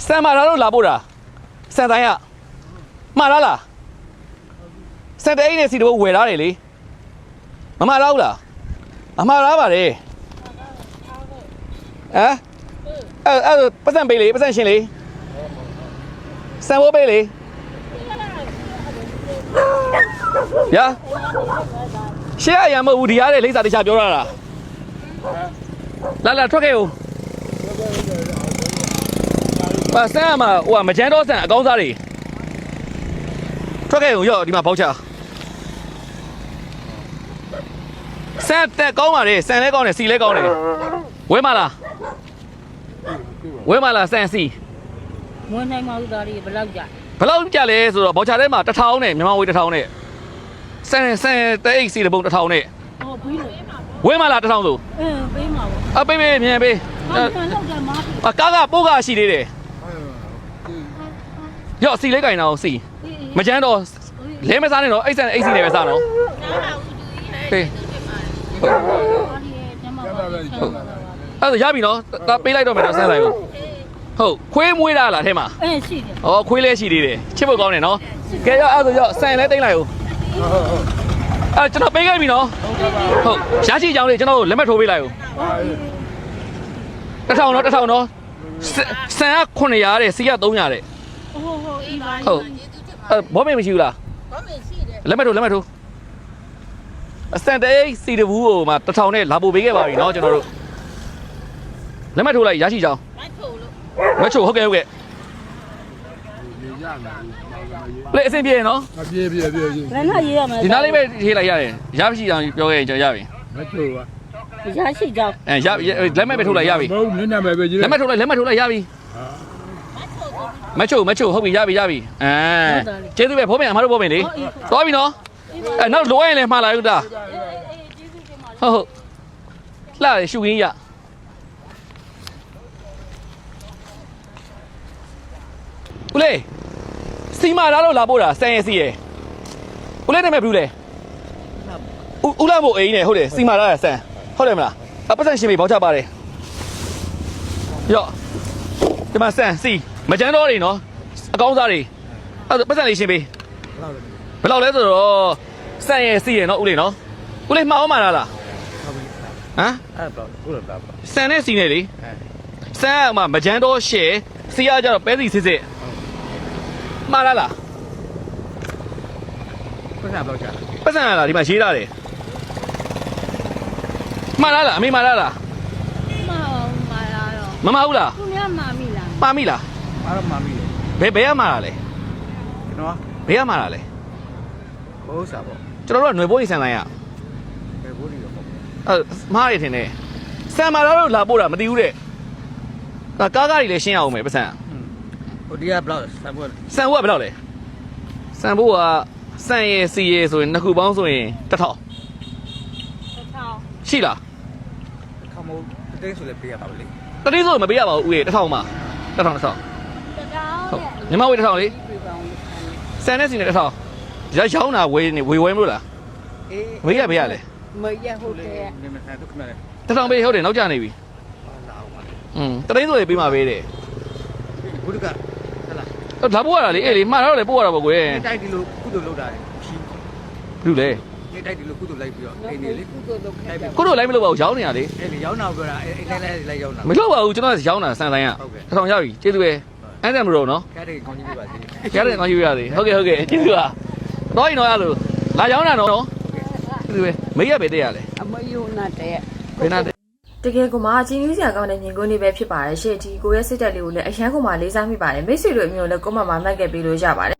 ဆန်မာလာတို့လာပို့တာဆန်တိုင်းကမှားလားဆန်တိုင်းနဲ့စီတော့ဝယ်ထားတယ်လေမမှားလားလားအမှားလားပါတယ်ဟမ်အဲ့ပတ်စံပေးလေပတ်စံရှင်လေဆန်ဖို့ပေးလေရရှေ့အရံမဟုတ်ဘူးဒီရတဲ့လိမ့်စာတခြားပြောရတာလာထွက်ခဲ့ဦးပါဆန်မှာဟိုမချမ်းတော့ဆန်အကောင်းစားတွေထွက်ခဲ့ဦးရော့ဒီမှာပေါက်ချဆန်တက်ကောင်းပါလေဆန်လဲကောင်းတယ်စီလဲကောင်းတယ်ဝဲမလားဆန်စီမွေးနိုင်မဟုတ်သားတွေဘယ်လောက်ကြလဲဆိုတော့ဘောချထဲမှာ1000နဲ့မြန်မာငွေ1000နဲ့ဆန်တဲ့အိတ်စီတပုံ1000နဲ့ဟောပြီးလို့ဝဲမလား1000ဆိုပေးမှာပေါ့ပေးမြန်ပေးကားပိုးကရှိသေးတယ်ရော့စီလေးကင်တော့စီမချမ်းတော့လဲမစားနဲ့တော့အိတ်ဆန်အိတ်စီနဲ့ပဲစားတော့ဟေးအဲ့ဒါရပြီနော်ပေးလိုက်တော့မယ်တော့ဆန်းဆိုင်ကိုဟုတ်ခွေးမွေးတာလားထဲမှာရှိတယ်ဩခွေးလဲရှိသေးတယ်ချစ်ဖို့ကောင်းတယ်နော်ကဲရောအဲ့ဒါရောဆန်လဲတိတ်လိုက်ဦးအဲ့ကျွန်တော်ပေးခဲ့ပြီနော်ဟုတ်ရရှိကြောင်းလေးကျွန်တော်လက်မှတ်ထိုးပေးလိုက်ဦး1000နော်ဆန်က900တဲ့စီက300တဲ့ဟုတ်အေးပါဟုတ်ဘောမင်းမရှိဘူးလားဘောမင်းရှိတယ်လက်မှတ်ထိုးအစတန်တေးစီတဘူးဟိုမှာ1000နဲ့လာပို့ပေးခဲ့ပါပြီနော်ကျွန်တော်တို့လက်မှတ်ထိုးလိုက်ရရှိကြောင်းမချို့ဟုတ်ကဲ့လေအစင်ပြေနော်ပြေဘယ်နဲ့ရေးရမလဲဒီနားလေးပဲရေးလိုက်ရတယ်ရရှိကြောင်းပြောခဲ့ကြရပြီမချို့ပါရရှိကြောင်းရလက်မှတ်ပဲထိုးလိုက်ရပြီဟုတ်နည်းနည်းပဲရေးလက်မှတ်ထိုးလိုက်ရပြီမချို့ဟုတ်ပြီရပြီကျေးဇူးပဲဖိုးမင်းအမတို့ဖိုးမင်းလေသွားပြီနော်နောက်လိုရရင်လည်းမှားလာဦးတာဟုတ်လှရရှုခင်းရဦးလေးစီမာလာတော့လာပို့တာဆန်ရစီရယ်ဦးလေးနာမည်ဘူးလေဦးလာမို့အိမ်နဲ့ဟုတ်တယ်စီမာလာရဆန်ဟုတ်တယ်မလားပတ်စံရှင်မေဘောက်ချပါတယ်ရော့ဒီမှာဆန်စီမချမ်းတော့တွေနော်အကောင်းစားတွေအဲ့ပတ်စံလေးရှင်ပေးဘယ်လောက်လဲဆိုတော့ဆန်ရယ်စီရယ်နော်ဦးလေးနော်ဦးလေးမှားအောင်မှားလားဟမ်အဲ့တော့ဦးလာပါဆန်နဲ့စီနဲ့လေဆန်ကမှမချမ်းတော့ရှယ်စီရကြတော့ပဲစီစစ်မှားလားပတ်စံလားဒီမှာရေးထားတယ်မှားလားအမေမှားလားမလားတော့မမှားဘူးလားသူများမှာမိလားမှားမိလားမာမီဘယ်ကမှားတာလဲကျွန်တော်ဘယ်ကမှားတာလဲဘိုးစားပေါ့ကျွန်တော်တို့ကຫນွေပိုးကြီးဆန်တိုင်းရဘယ်ဘိုးကြီးရောပေါ့မှားရထင်တယ်ဆန်မာလာတော့လာပို့တာမသိဘူးတဲ့ကားတွေလည်းရှင်းရအောင်မယ်ပတ်စံဟိုဒီကဘလောက်ဆန်ဘိုးကဘယ်လောက်လဲဆန်ဘိုးကဆန်ရယ်စီရယ်ဆိုရင်နှစ်ခုပေါင်းဆိုရင်1000ရှိလားခမိုးတိတ်ဆိုလည်းပေးရပါဘူးလေတတိဆိုမပေးရပါဘူးဦးရေ1000မှာ1000ဟုတ်ညီမဝေး1000လေဆန်နဲ့စီနဲ့1000ရောင်းတာဝေဝဲမလို့လားဝေးရပေးရလဲမရဟုတ်တယ်နေမဆန်ဒုက္ခနဲ့ 1000ပေးဟုတ်တယ်နောက်ကျနေပြီတတိဆိုလေပေးမှာပေးတယ်ဘုဒ္ဓကဟလာလာပို့ရတာလေအေးလေမှားတော့လေပို့ရတာပေါ့ကွယ်တိုက်ဒီလိုကုသိုလ်လုပ်တာဖြီးဘူးလေတိုက်ဒီလိုကုသိုလ်လိုက်ပြီးတော့အိမ်နေလေကုသိုလ်လိုက်မလို့ပါဘူးရောင်းနေရလေအဲ့လေရောင်းတာပြောတာအိမ်ထဲလိုက်ရောင်းတာမလို့ပါဘူးကျွန်တော်ရောင်းတာဆန်တိုင်းက1000ရပြီကျေးဇူးပဲအဲ့ဒါမလို့နော်ကဲတဲ့ကောင်းကြီးပြပါစေကဲတဲ့ကောင်းကြီးပြပါစေဟုတ်ကဲ့ကျေးဇူးပါတော့ရင်တော့ရလို့လာရောင်းတာနော်ကျေးဇူးပဲမေးရပဲတဲ့ရလဲအမယုံနာတဲ့ဘယ်နာတဲ့တကယ်ကိုမှအချင်းကြီးစရာကောင်းတဲ့မြင်ကွင်းလေးပဲဖြစ်ပါတယ်ရှင့်ဒီကိုရဲ့စိတ်တက်လေးကိုလည်းအရန်ကိုမှလေးစားမိပါတယ်မိတ်ဆွေတို့အမျိုးလည်းကိုမမှမှတ်ခဲ့ပေးလို့ရပါတယ်